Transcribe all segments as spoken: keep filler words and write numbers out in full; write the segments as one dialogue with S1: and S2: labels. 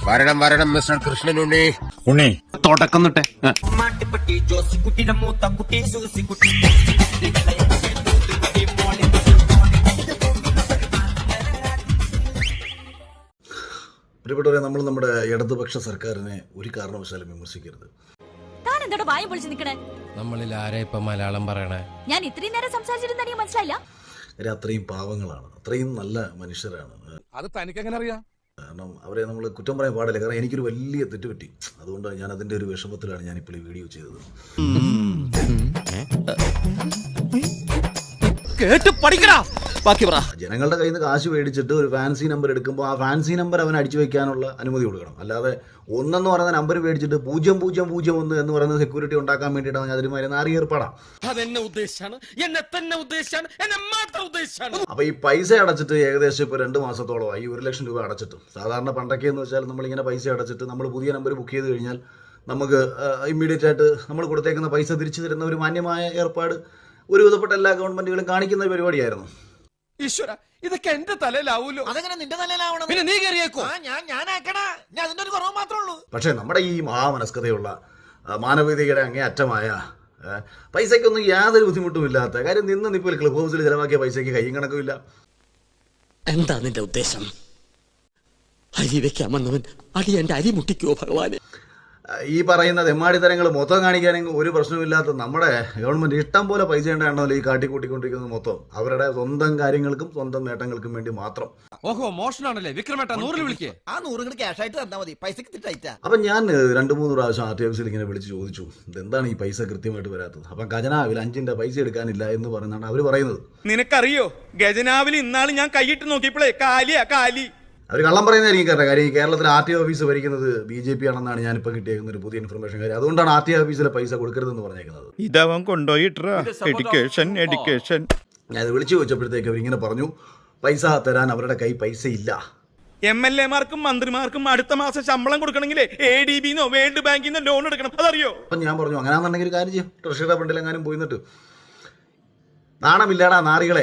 S1: വരണം വരണം മിസ്റ്റർ കൃഷ്ണൻ ഉണ്ണി.
S2: ഉണ്ണി
S3: തുടക്കം തൊട്ടേ
S4: പ്രിയപ്പെട്ടവരെ, നമ്മൾ നമ്മുടെ ഇടതുപക്ഷ സർക്കാരിനെ ഒരു കാരണവശാലും വിമർശിക്കരുത്.
S5: നമ്മളിൽ ആരെ ഇപ്പൊ മലയാളം പറയണേ?
S6: ഞാൻ ഇത്രയും നേരം സംസാരിച്ചിരുന്ന എനിക്ക് മനസ്സിലായില്ല.
S4: അത്രയും പാവങ്ങളാണ്, അത്രയും നല്ല മനുഷ്യരാണ്.
S5: അത് തനിക്ക് എങ്ങനെ അറിയാം?
S4: കാരണം അവരെ നമ്മൾ കുറ്റം പറയാൻ പാടില്ല. കാരണം എനിക്കൊരു വലിയ തെറ്റുപറ്റി. അതുകൊണ്ട് ഞാൻ അതിന്റെ ഒരു വിഷമത്തിലാണ് ഞാനിപ്പോൾ ഈ വീഡിയോ ചെയ്തത്.
S3: കേട്ട് പഠിക്കടാ. ബാക്കി പറ.
S4: ജനങ്ങളുടെ കയ്യിൽ നിന്ന് കാശ് മേടിച്ചിട്ട് ഒരു ഫാൻസി നമ്പർ എടുക്കുമ്പോൾ ആ ഫാൻസി നമ്പർ അവൻ അടിച്ചു വെക്കാനുള്ള അനുമതി കൊടുക്കണം. അല്ലാതെ ഒന്നെന്ന് പറയുന്ന നമ്പർ മേടിച്ചിട്ട് പൂജ്യം പൂജ്യം പൂജ്യം ഒന്ന് എന്ന് പറയുന്ന സെക്യൂരിറ്റി ഉണ്ടാക്കാൻ വേണ്ടിയിട്ടാണ് അതിനുമാതിരി നാറി ഏർപ്പാടാം. അപ്പൊ ഈ പൈസ അടച്ചിട്ട് ഏകദേശം ഇപ്പൊ രണ്ട് മാസത്തോളമായി ഒരു ലക്ഷം രൂപ അടച്ചിട്ട്. സാധാരണ പണ്ടൊക്കെ എന്ന് വെച്ചാൽ നമ്മളിങ്ങനെ പൈസ അടച്ചിട്ട് നമ്മൾ പുതിയ നമ്പർ ബുക്ക് ചെയ്ത് കഴിഞ്ഞാൽ നമുക്ക് ഇമ്മീഡിയറ്റ് ആയിട്ട് നമ്മൾ കൊടുത്തേക്കുന്ന പൈസ തിരിച്ചു തരുന്ന ഒരു മാന്യമായ ഏർപ്പാട് ഒരു വിധപ്പെട്ട എല്ലാ ഗവൺമെന്റുകളും കാണിക്കുന്ന ഒരു പരിപാടിയായിരുന്നു.
S5: ഈശ്വര, ഇതൊക്കെ എന്റെ തലയിലാവൂലോ?
S7: അതെങ്ങനെ നിന്റെ തലയിലാവണം?
S5: പിന്നെ നീ കയറിയേക്കോ?
S7: ഞാൻ ഞാനാക്കണ ഞാൻ അതിന്റെ ഒരു കുറവ് മാത്രമേ ഉള്ളൂ.
S4: പക്ഷേ നമ്മുടെ ഈ മഹാമനസ്കതയുള്ള മാനവികതയുടെ അങ്ങേയറ്റമായ പൈസയ്ക്കൊന്നും യാതൊരു ബുദ്ധിമുട്ടുമില്ലാത്ത കാര്യം നിന്ന് നിപ്പിൽ ക്ലബ് ഹൗസിൽ ചെലവാക്കിയ പൈസയ്ക്ക് കയ്യും കണക്കുമില്ല.
S8: എന്താ നിന്റെ ഉദ്ദേശം? അരി വെക്കാമെന്നവൻ അടി എന്റെ അരി മുട്ടിക്കോ ഭഗവാനെ.
S4: ഈ പറയുന്ന തെമ്മാടിത്തരങ്ങൾ മൊത്തം കാണിക്കാനെങ്കിൽ ഒരു പ്രശ്നമില്ലാത്ത നമ്മുടെ ഗവൺമെന്റ് ഇഷ്ടം പോലെ പൈസ ഉണ്ടാണല്ലോ ഈ കാട്ടിക്കൂട്ടിക്കൊണ്ടിരിക്കുന്നത്. മൊത്തം അവരുടെ സ്വന്തം കാര്യങ്ങൾക്കും സ്വന്തം നേട്ടങ്ങൾക്കും വേണ്ടി മാത്രം.
S5: ഓഹോ, മോഷണാണല്ലേ വിക്രമേട്ട? നൂറിൽ വിളിക്കേ.
S7: ആ നൂറ് കൂടി ക്യാഷ് ആയിട്ട് തന്നാ മതി, പൈസക്ക് തിട്ടായിട്ടാ.
S4: അപ്പൊ ഞാൻ രണ്ടു മൂന്ന് പ്രാവശ്യം ആർ ടി ഓഫീസിൽ ഇങ്ങനെ വിളിച്ച് ചോദിച്ചു, ഇതെന്താണ് ഈ പൈസ കൃത്യമായിട്ട് വരാത്തത്? അപ്പം ഖജനാവിൽ അഞ്ചിന്റെ പൈസ എടുക്കാനില്ല എന്ന് പറയുന്നതാണ് അവർ പറയുന്നത്.
S9: നിനക്കറിയോ, ഖജനാവിൽ ഇന്നാള് ഞാൻ കൈയിട്ട് നോക്കിയപ്പോഴേ കാലിയാ കാലി.
S4: അവർ കള്ളം പറയുന്നതായിരിക്കും കാരണം. കാര്യം ഈ കേരളത്തിൽ ആർ ടി ഓഫീസ് ഭരിക്കുന്നത് ബി ജെ പി ആണെന്നാണ് ഞാനിപ്പോൾ കിട്ടിയേക്കുന്ന ഒരു പുതിയ ഇൻഫർമേഷൻ. കാര്യം അതുകൊണ്ടാണ് ആർ ടി ഓഫീസിലെ പൈസ കൊടുക്കരുതെന്ന് പറഞ്ഞേക്കുന്നത്.
S9: ഇതവൻ കൊണ്ടുപോയിട്ടാ എഡ്യൂക്കേഷൻ എഡ്യൂക്കേഷൻ
S4: ഞാൻ അത് വിളിച്ചു ചോദിച്ചപ്പോഴത്തേക്ക് അവരിങ്ങനെ പറഞ്ഞു, പൈസ തരാൻ അവരുടെ കൈ പൈസ ഇല്ല.
S9: എം എൽ എമാർക്കും മന്ത്രിമാർക്കും അടുത്ത മാസം ശമ്പളം കൊടുക്കണമെങ്കിൽ എ ഡി ബിന്നോ വേൾഡ് ബാങ്കിന്നോ ലോൺ എടുക്കണം, അതറിയോ?
S4: അപ്പം ഞാൻ പറഞ്ഞു, അങ്ങനെയാണെന്നുണ്ടെങ്കിൽ ഒരു കാര്യം ചെയ്യും, ട്രഷറിയുടെ ഫണ്ടിലെങ്ങാനും പോയി നിന്നിട്ട്. നാണമില്ലാടാ നാറികളെ.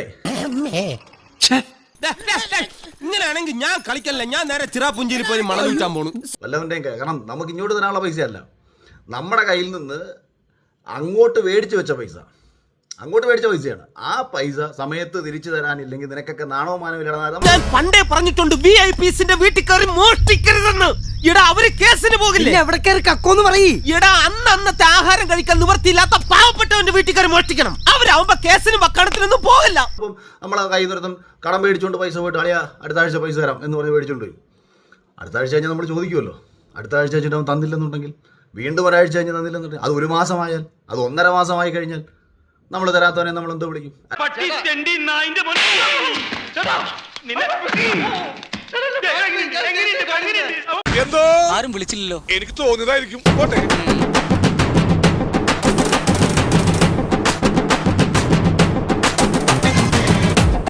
S3: ഇങ്ങനെയാണെങ്കിൽ ഞാൻ കളിക്കല്ല, ഞാൻ നേരെ ചിറാപുഞ്ചിയിൽ പോയി മണം വിൽക്കാൻ പോണു.
S4: വല്ലവൻ്റെയും കാരണം നമുക്ക് ഇങ്ങോട്ട് തരാനുള്ള പൈസയല്ല, നമ്മുടെ കയ്യിൽ നിന്ന് അങ്ങോട്ട് മേടിച്ചു വെച്ച പൈസ, അങ്ങോട്ട് മേടിച്ച പൈസയാണ്. ആ പൈസ സമയത്ത് തിരിച്ചു തരാനില്ലെങ്കിൽ നിനക്കൊക്കെ നാണോ മാനോ ഇല്ലാതെ.
S3: ഞാൻ പണ്ടേ പറഞ്ഞിട്ടുണ്ട് വി ഐ പിസിന്റെ വീട്ടിൽ കയറി മോഷ്ടിക്കരുതെന്ന്. ഇടാ അവര് കേസിന് പോകില്ല. എവിടെ കയറി കക്കോന്ന് പറയ്. ഇടാ അന്ന് അന്നത്തെ ആഹാരം കഴിക്കാൻ നിവർത്തിയില്ലാത്ത പാവപ്പെട്ടവന്റെ വീട്ടിൽ കയറി മോഷ്ടിക്കണം. അവരാവുമ്പോ കേസിനും വക്കാണത്തിനൊന്നും പോകില്ല. അപ്പം
S4: നമ്മളെ കയ്യിൽ നിന്നൊരുത്തം കടം മേടിച്ചുകൊണ്ട് പൈസ പോയിട്ട് അളിയാ അടുത്ത ആഴ്ച പൈസ തരാം എന്ന് പറഞ്ഞ് മേടിച്ചുകൊണ്ട് പോയി. അടുത്ത ആഴ്ച കഴിഞ്ഞാൽ നമ്മൾ ചോദിക്കുമല്ലോ, അടുത്ത ആഴ്ച കഴിഞ്ഞിട്ട് അവൻ തന്നില്ലെന്നുണ്ടെങ്കിൽ വീണ്ടും ഒരാഴ്ച കഴിഞ്ഞ് തന്നില്ലെന്നുണ്ടെങ്കിൽ അത് ഒരു മാസമായാൽ അത് ഒന്നര മാസമായി കഴിഞ്ഞാൽ നമ്മൾ തരാത്തവനെ നമ്മൾ എന്തോ വിളിക്കും?
S9: എന്തോ ആരും വിളിച്ചില്ലല്ലോ, എനിക്ക് തോന്നിയതായിരിക്കും.